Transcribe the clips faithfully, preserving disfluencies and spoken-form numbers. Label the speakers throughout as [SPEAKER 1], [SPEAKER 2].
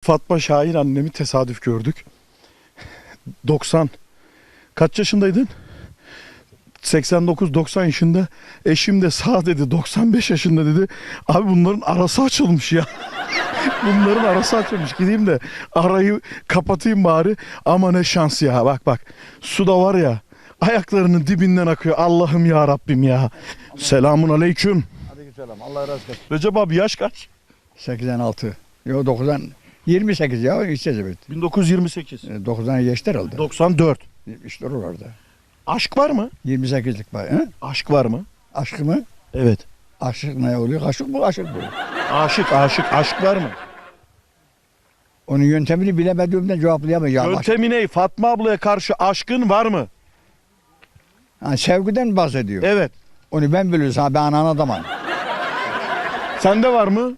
[SPEAKER 1] Fatma Şahin annemi tesadüf gördük. doksan kaç yaşındaydın? seksen dokuz doksan yaşında. Eşim de sağ dedi, doksan beş yaşında dedi. Abi bunların arası açılmış ya. Bunların arası açılmış. Gideyim de arayı kapatayım bari. Ama ne şans ya. Bak bak. Su da var ya. Ayaklarının dibinden akıyor. Allah'ım ya Rabbim ya. Selamun aleyküm.
[SPEAKER 2] Aleykümselam. Allah razı olsun.
[SPEAKER 1] Recep abi yaş kaç?
[SPEAKER 2] seksen altı. Yok doksan. yirmi sekiz ya. İşte evet.
[SPEAKER 1] bin dokuz yüz yirmi sekiz.
[SPEAKER 2] doksan'a geçti herhalde.
[SPEAKER 1] doksan dört.
[SPEAKER 2] İşte oralarda.
[SPEAKER 1] Aşk var mı?
[SPEAKER 2] yirmi sekizlik var. He?
[SPEAKER 1] Aşk var mı?
[SPEAKER 2] Aşk mı?
[SPEAKER 1] Evet.
[SPEAKER 2] Aşık ne oluyor? Aşık bu, aşık bu.
[SPEAKER 1] Aşık, aşık. Aşk var mı?
[SPEAKER 2] Onun yöntemini bilemediğimden cevaplayamayacağım.
[SPEAKER 1] Yöntemi ne? Fatma ablaya karşı aşkın var mı?
[SPEAKER 2] Ha, sevgiden bahsediyor.
[SPEAKER 1] Evet.
[SPEAKER 2] Onu ben biliyorsam ha, ben anan adamım.
[SPEAKER 1] Sende var mı?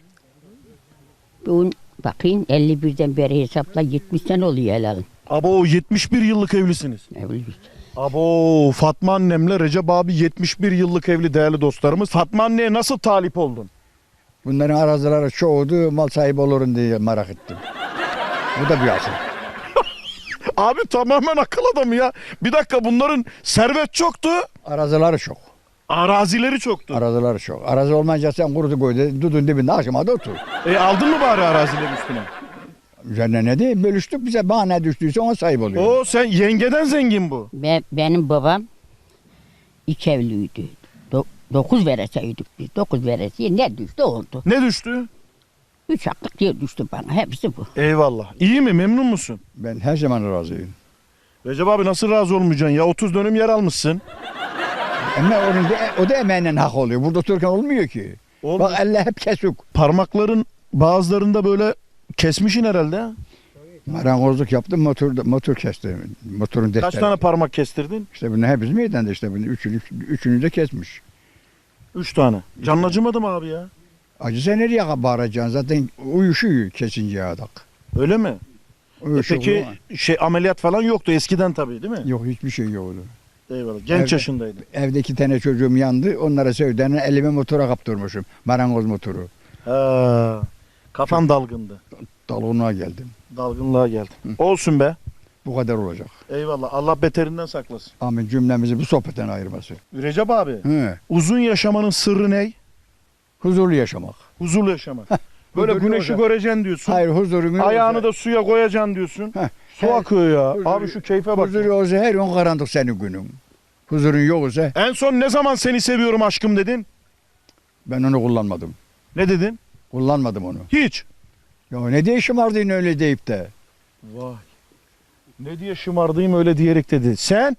[SPEAKER 3] Bu bakayım elli birden beri hesapla yetmiş sene oluyor helalin.
[SPEAKER 1] Abo yetmiş bir yıllık evlisiniz.
[SPEAKER 3] Evliyiz.
[SPEAKER 1] Abo Fatma annemle Recep abi yetmiş bir yıllık evli değerli dostlarımız. Fatma anneye nasıl talip oldun?
[SPEAKER 2] Bunların arazileri çoğudu, mal sahibi olurum diye merak ettim. Bu da bir asıl.
[SPEAKER 1] Abi tamamen akıl adamı ya. Bir dakika bunların servet çoktu.
[SPEAKER 2] Arazileri çok.
[SPEAKER 1] Arazileri çoktu.
[SPEAKER 2] Arazileri çok. Arazi olmayınca sen kurudu koydu, dudun dibinde aşamada otur.
[SPEAKER 1] E aldın mı bari arazilerin üstüne?
[SPEAKER 2] Üzerine ne değil, bölüştük bize bana ne düştüyse ona sahip oluyor.
[SPEAKER 1] Oo sen yengeden zengin bu.
[SPEAKER 3] Be, benim babam iki evliydi. Do, dokuz vereseydik biz. Dokuz veresiye ne düştü oldu.
[SPEAKER 1] Ne düştü?
[SPEAKER 3] Üç haklık yer düştü bana. Hepsi bu.
[SPEAKER 1] Eyvallah. İyi mi? Memnun musun?
[SPEAKER 2] Ben her zaman razıyım.
[SPEAKER 1] Recep abi nasıl razı olmayacaksın ya? otuz dönüm yer almışsın.
[SPEAKER 2] Ama onun da, o da emeğinden hak oluyor. Burada otururken olmuyor ki.
[SPEAKER 1] Olmuyor.
[SPEAKER 2] Bak elle hep kesik.
[SPEAKER 1] Parmakların bazılarında böyle kesmişin herhalde. Ha?
[SPEAKER 2] Marangozluk yaptım, motor, motor kestim. Motorun defteri.
[SPEAKER 1] Kaç tane parmak kestirdin?
[SPEAKER 2] İşte bunu hepsi meydanda işte bunu üçünü, üçünü de kesmiş.
[SPEAKER 1] Üç tane. Canın acımadı mı abi ya?
[SPEAKER 2] Acı sen nereye bağıracaksın? Zaten uyuşuyor kesince adak.
[SPEAKER 1] Öyle mi? E
[SPEAKER 2] Uyuşuyor
[SPEAKER 1] peki
[SPEAKER 2] ama.
[SPEAKER 1] şey ameliyat falan yoktu eskiden tabii değil mi?
[SPEAKER 2] Yok hiçbir şey yoktu.
[SPEAKER 1] Eyvallah. Genç
[SPEAKER 2] Evde-
[SPEAKER 1] yaşındaydı.
[SPEAKER 2] Evde iki tane çocuğum yandı. Onlara sevdiğini elime motora kaptırmışım. Marangoz motoru.
[SPEAKER 1] Ha, kafan dalgındı.
[SPEAKER 2] Dalgınlığa geldim.
[SPEAKER 1] Dalgınlığa geldin. Olsun be.
[SPEAKER 2] Bu kadar olacak.
[SPEAKER 1] Eyvallah. Allah beterinden saklasın.
[SPEAKER 2] Amin cümlemizi bu sohbetten ayırması.
[SPEAKER 1] Recep abi,
[SPEAKER 2] He.
[SPEAKER 1] uzun yaşamanın sırrı ne?
[SPEAKER 2] Huzurlu yaşamak.
[SPEAKER 1] Huzurlu yaşamak. Böyle
[SPEAKER 2] Huzurlu
[SPEAKER 1] güneşi
[SPEAKER 2] olacak.
[SPEAKER 1] göreceksin diyorsun.
[SPEAKER 2] Hayır huzurun
[SPEAKER 1] Ayağını da suya koyacaksın diyorsun.
[SPEAKER 2] Heh.
[SPEAKER 1] Su
[SPEAKER 2] Her-
[SPEAKER 1] akıyor ya.
[SPEAKER 2] huzuru-
[SPEAKER 1] Abi şu keyfe bak.
[SPEAKER 2] Huzur olsa her gün karanlık senin günün. Huzurun yoksa
[SPEAKER 1] En son ne zaman seni seviyorum aşkım dedin?
[SPEAKER 2] ben onu kullanmadım.
[SPEAKER 1] Ne dedin?
[SPEAKER 2] Kullanmadım onu.
[SPEAKER 1] Hiç.
[SPEAKER 2] Ya ne diye şımardın öyle deyip de.
[SPEAKER 1] Vay. Ne diye şımardayım öyle diyerek dedi. Sen?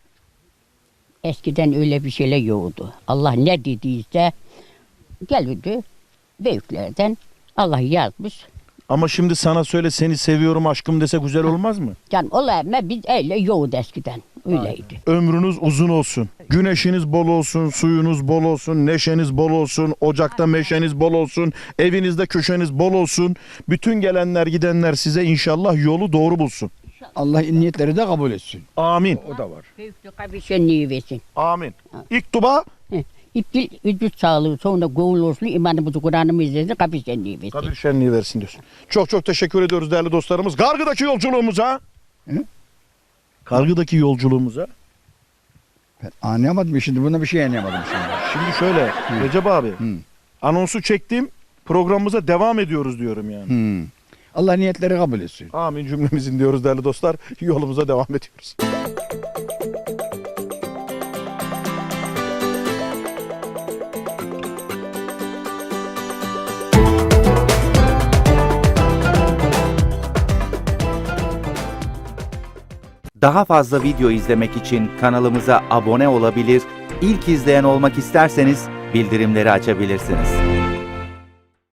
[SPEAKER 3] Eskiden öyle bir şeyler yoktu. Allah ne dediyse gelirdi büyüklerden. Allah yazmış.
[SPEAKER 1] Ama şimdi sana söyle seni seviyorum aşkım dese güzel olmaz mı?
[SPEAKER 3] Can olayım biz öyle yoktu eskiden. Öyleydi.
[SPEAKER 1] Ömrünüz uzun olsun. Güneşiniz bol olsun, suyunuz bol olsun, neşeniz bol olsun, ocakta meşeniz bol olsun, evinizde köşeniz bol olsun. Bütün gelenler gidenler size inşallah yolu doğru bulsun.
[SPEAKER 2] Allah niyetleri de kabul etsin.
[SPEAKER 1] Amin.
[SPEAKER 2] O da var.
[SPEAKER 3] Büyüklük bir şenliği versin.
[SPEAKER 1] Amin. İlk duba
[SPEAKER 3] İptil vücut sağlığı sonra gavul olsun imanımızı Kur'an'ımı izlesin kapı şenliği versin.
[SPEAKER 1] kabir şenliği versin diyorsun. Çok çok teşekkür ediyoruz değerli dostlarımız. Kargıdaki yolculuğumuza.
[SPEAKER 2] Hı?
[SPEAKER 1] Kargıdaki yolculuğumuza.
[SPEAKER 2] Ben anlayamadım şimdi. Buna bir şey anlayamadım şimdi.
[SPEAKER 1] Şimdi şöyle Recep abi
[SPEAKER 2] Hı.
[SPEAKER 1] anonsu çektim programımıza devam ediyoruz diyorum yani.
[SPEAKER 2] Hmm. Allah niyetleri kabul etsin.
[SPEAKER 1] Amin cümlemizin diyoruz değerli dostlar. Yolumuza devam ediyoruz.
[SPEAKER 4] Daha fazla video izlemek için kanalımıza abone olabilir, ilk izleyen olmak isterseniz bildirimleri açabilirsiniz.